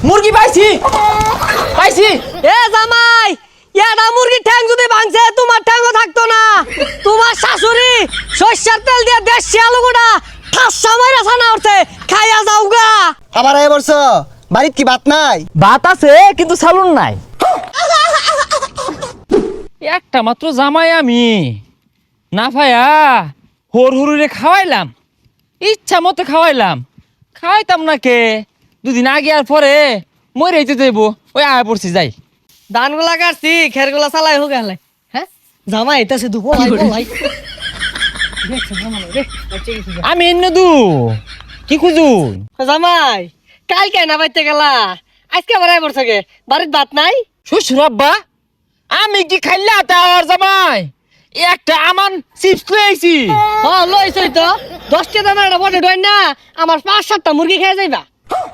মুরগি পাইছি পাইছি। এ জামাই, এটা মুরগির ঠ্যাং যদি ভাঙছে তোমার ঠ্যাংও থাকতো না। তোমার শাশুড়ি সরষের তেল দিয়ে দেশি আলু গোটা ঠাসা মাইরা ছানা উঠছে, খাইয়া যাও গা। আবার এ বলছ বাড়িত কি ভাত নাই? ভাত আছে কিন্তু সালুন নাই। একটা মাত্র জামাই আমি না ভাইয়া হর হরুরে খাওয়াইলাম, ইচ্ছা মতো খাওয়াইলাম, খাওয়াইতাম না কে দুদিন আগে আর পরে মরে যেতে দেব। ওই আয় পড়ছি যাই। ধানগুলা কাটছি, খেরগুলা চালাই হোক গেলে। হ্যাঁ জামাই এটা শুধু বলাই বলাই। আমি এনে দু কি খুঁজু জামাই কালকে না বাইতে গেলা, আজকে আবার আয় পড়ছে গে, বাড়ির ভাত নাই? শ্বশুর আব্বা আমি কি খাইলা তার জামাই একটা আমান চিপস খুঁয়েছি। হ্যাঁ লইছই তো, 10টা দানা একটা বটে ডয় না, আমার 5-7টা মুরগি খেয়ে যাইবা।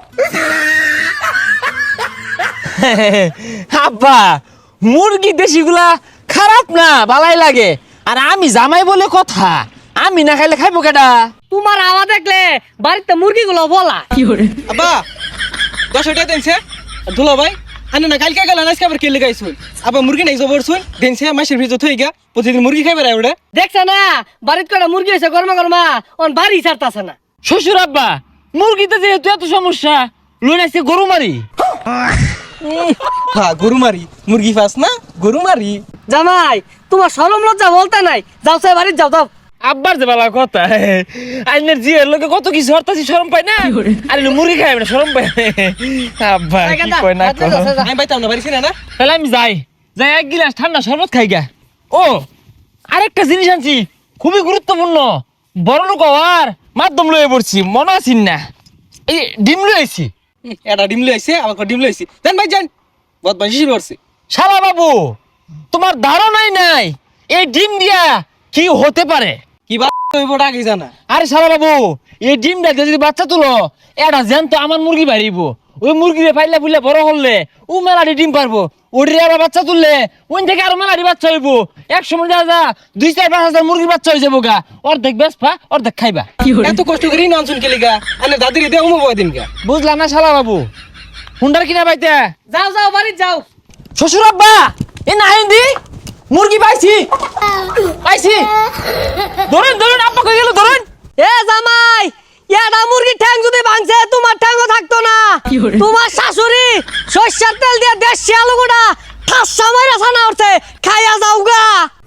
আব্বা মুরগি দেশিগুলা খারাপ না, ভালাই লাগে। আর আমি জামাই বলে কথা, আমি না খাইলে খাইবো কেডা? তোমার আওয়াজ দেখলে বাড়িতে মুরগিগুলো বলা। আব্বা 10 টাকা দেনছে দুলা ভাই আনে না কালকে গেল আজকে আবার কে লাগাইছুন আবার মুরগি নাই জবর শুন দেনছে মাসের ভিতর থই গা প্রতিদিন মুরগি খাইবে রে ওটা দেখছ না বাড়িতে কটা মুরগি হইছে গরমা গরমা, অন বাড়ি ছাড়তাছে না। শ্বশুর আব্বা মুরগিতে যেহেতু এত সমস্যা লইন আজকে গরু মারি। হ্যাঁ গরু মারি মুরগি ফাস না গরু মারি। জামাই তোমার শরম লজ্জা বলতে নাই, যাও সে বাড়ি যাও যাও। আব্বার যে বালা কথা আইনের জিয়ের লোকে কত কিছু হরতাছি শরম পাই না, আর মুরগি খাইবে না শরম পাই। আব্বা কি কয় না কয়। আমি বাইতাম না বাড়ি ছিনা না তাহলে আমি যাই যাই এক গিলাস ঠান্ডা শরবত খাই গা। ও আরেকটা জিনিস আনছি খুবই গুরুত্বপূর্ণ, বড় লোক হওয়ার মাধ্যম লয়ে পড়ছি মনে আছিস না, এই ডিম লয়েছি। এটা ডিম লইছে আমাকে ডিম লইছি জান ভাই জান বহুত বাজি করছি। শালা বাবু তোমার ধারণাই নাই এই ডিম দিয়া কি হতে পারে। কি বা হইব আগে জানা। আরে শালা বাবু এই ডিমটা দিয়ে যদি বাচ্চা তুলো এটা জ্যান্ত আমার মুরগি বাড়িব, ওই মুরগিরে পাইলে ফুললে বড় হলে ও মেলাটি ডিম পারবো, ওটির আবার বাচ্চা তুললে ওই থেকে আরো মেলাটি বাচ্চা হইব। 100 যা 2-4-5 মুরগির বাচ্চা হয়ে যাবো গা, অর্ধেক বেসপা অর্ধেক খাইবা। এত কষ্ট করি না অনসুন কে লিগা আনে দাদির দে উমো বয় দিন গা। বুঝলাম না শালা বাবু হুন্ডার কিনা পাইতে। যাও যাও বাড়ি যাও। শ্বশুর আব্বা এ না হিন্দি মুরগি পাইছি পাইছি, ধরুন ধরুন আব্বা কই গেল ধরুন। এ জামাই এটা মুরগির ঠ্যাং যদি ভাঙছে তোমার ঠ্যাংও থাকতো না। তোমার শাশুড়ি সরষের তেল দিয়ে দেশি আলু গোটা ঠাসা মাইরা ছানা উঠছে, খাইয়া যাও গা।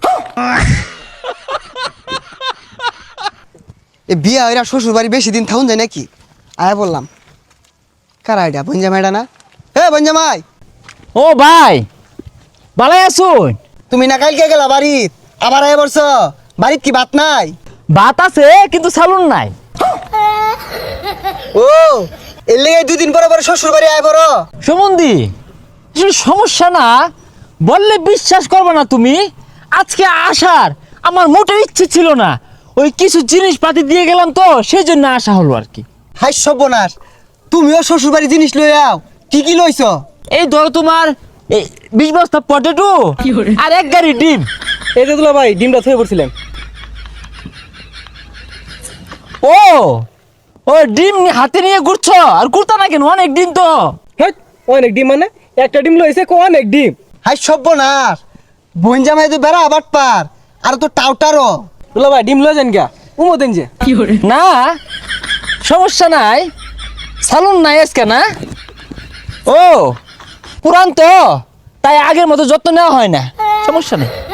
এ বিয়া হইরা শ্বশুর বাড়ি বেশি দিন থাকুন যায় নাকি? আয়া বললাম কারা এটা বঞ্জামাইডা না? হে বঞ্জামাই ও ভাই ভালাই আছুন? তুমি না কালকে গেলা বাড়িত আবার আয়া বলছ বাড়িত কি ভাত নাই? ভাত আছে কিন্তু সালুন নাই। ও এর লেগে 2 দিন পরে পরে শ্বশুর বাড়ি আয় বড় সুমন্দি আসলে সমস্যা না বললে বিশ্বাস করবে না তুমি, আজকে আসার আমার মোটেও ইচ্ছে ছিল না, ওই কিছু জিনিসপাতি দিয়ে গেলাম তো সেই জন্য আসা হলো আর কি। হাই সর্বনাশ, তুমিও শ্বশুর বাড়ি জিনিস লই আও, কি কি লইছ? এই ধরো তোমার এই 20 বস্তা পটেটো আর 1 গাড়ি ডিম। এই যে দুলা ভাই ডিমটা থয়ে পড়ছিলেন। ও ও ডিম হাতে নিয়ে ঘুরছো আর ঘুরতা না কেন? অনেক ডিম তো। হ্যাঁ অনেক ডিম মানে একটা ডিম লইছে কো অনেক ডিম। হাই সর্বনাশ, বঞ্জামাই তো বেড়া আবার পার আর তো টাউটারও। দুলা ভাই ডিম লই যান গা উমো দেন যে। না সমস্যা নাই, সালুন নাই আজকে না। ও পুরান তো তাই আগের মতো যত্ন নেওয়া হয় না, সমস্যা নেই।